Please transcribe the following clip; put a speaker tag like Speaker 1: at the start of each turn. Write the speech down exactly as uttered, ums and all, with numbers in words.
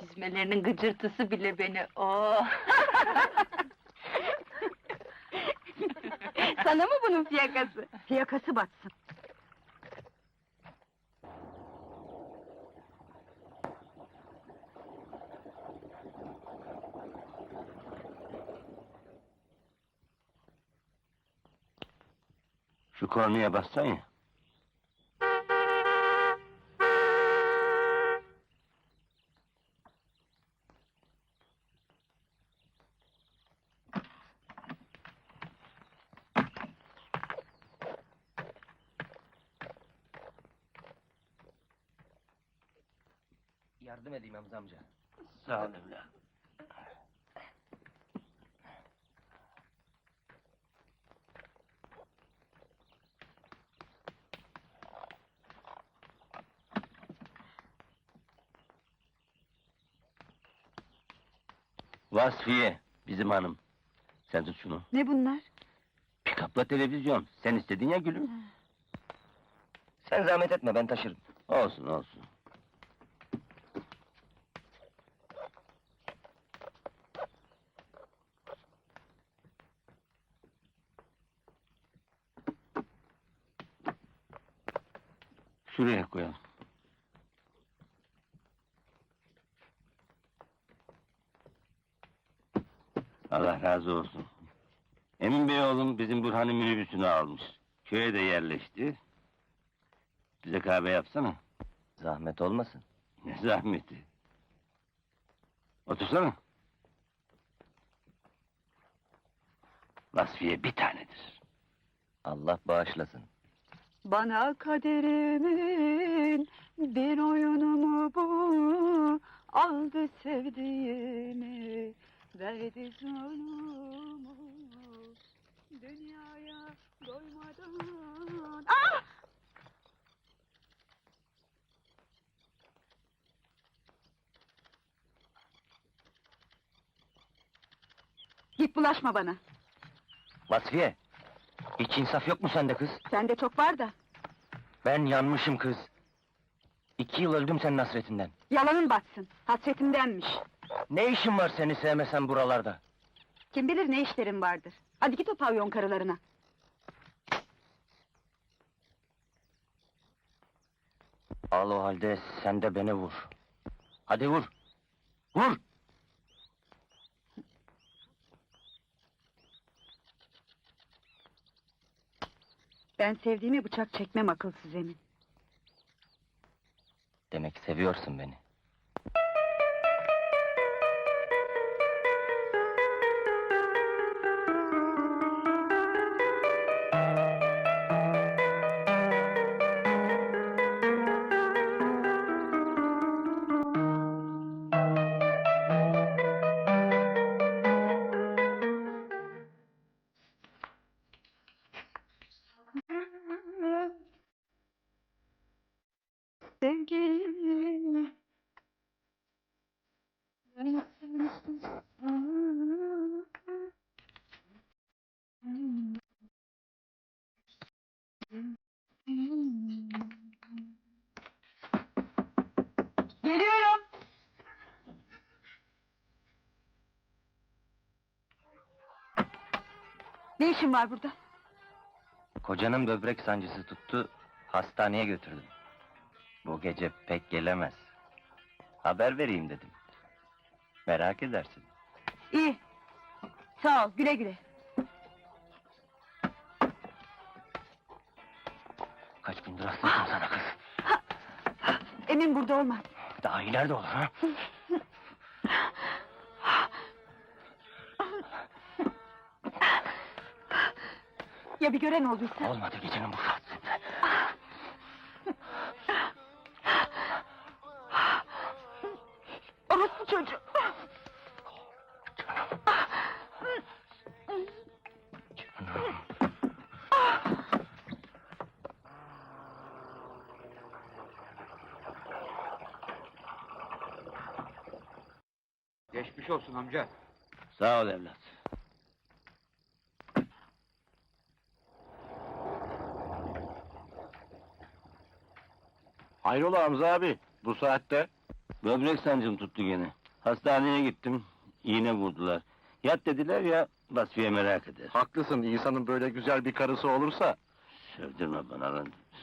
Speaker 1: Çizmelerinin gıcırtısı bile beni, oh!
Speaker 2: Sana mı bunun fiyakası? Fiyakası batsın.
Speaker 3: Şu kornaya bassan ya.
Speaker 4: Yardım edeyim Hamza amca.
Speaker 3: Sağ ol evladım. Vasfiye, bizim hanım. Sen tut şunu.
Speaker 2: Ne bunlar?
Speaker 3: Pikapla televizyon. Sen istedin ya gülüm.
Speaker 4: Sen zahmet etme, ben taşırım.
Speaker 3: Olsun, olsun. Şuraya koyalım. Allah razı olsun. Emin Bey oğlum bizim Burhan'ın minibüsünü almış. Köye de yerleşti. Bize kahve yapsana.
Speaker 4: Zahmet olmasın.
Speaker 3: Ne zahmeti. Otursana. Vasfiye bir tanedir.
Speaker 4: Allah bağışlasın.
Speaker 2: Bana kaderimin bir oyunu mu bu? Aldı sevdiğimi, verdi zulmü. Dünyaya doymadan... Ah! Git bulaşma bana.
Speaker 4: Vasfiye! Hiç insaf yok mu sende kız?
Speaker 2: Sende çok var da.
Speaker 4: Ben yanmışım kız. İki yıl öldüm senin hasretinden.
Speaker 2: Yalanın batsın, hasretimdenmiş.
Speaker 4: Ne işin var seni sevmesen buralarda?
Speaker 2: Kim bilir ne işlerin vardır. Hadi git o pavyon karılarına.
Speaker 4: Al o halde sen de beni vur. Hadi vur! Vur!
Speaker 2: Ben sevdiğime bıçak çekmem akılsız Emin.
Speaker 4: Demek seviyorsun beni.
Speaker 2: Sevgilim. Geliyorum. Ne işin var burada?
Speaker 4: Kocanın böbrek sancısı tuttu, hastaneye götürdüm. Bu gece pek gelemez. Haber vereyim dedim. Merak edersin.
Speaker 2: İyi. Sağ ol, güle güle.
Speaker 4: Kaç gündür hastasın sana kız.
Speaker 2: Emin burada olmaz.
Speaker 4: Daha ileride olur ha?
Speaker 2: Ya bir gören olduysa?
Speaker 4: Olmadı gecenin bu saatinde.
Speaker 2: Orospu çocuğu!
Speaker 4: Canım. Canım.
Speaker 5: Geçmiş olsun amca.
Speaker 3: Sağ ol evlat.
Speaker 6: Hayrola Hamza abi, bu saatte?
Speaker 3: Böbrek sancım tuttu gene. Hastaneye gittim. İğne vurdular. Yat dediler ya, Vasfiye merak eder.
Speaker 5: Haklısın, insanın böyle güzel bir karısı olursa...
Speaker 3: Sövdürme bana lan.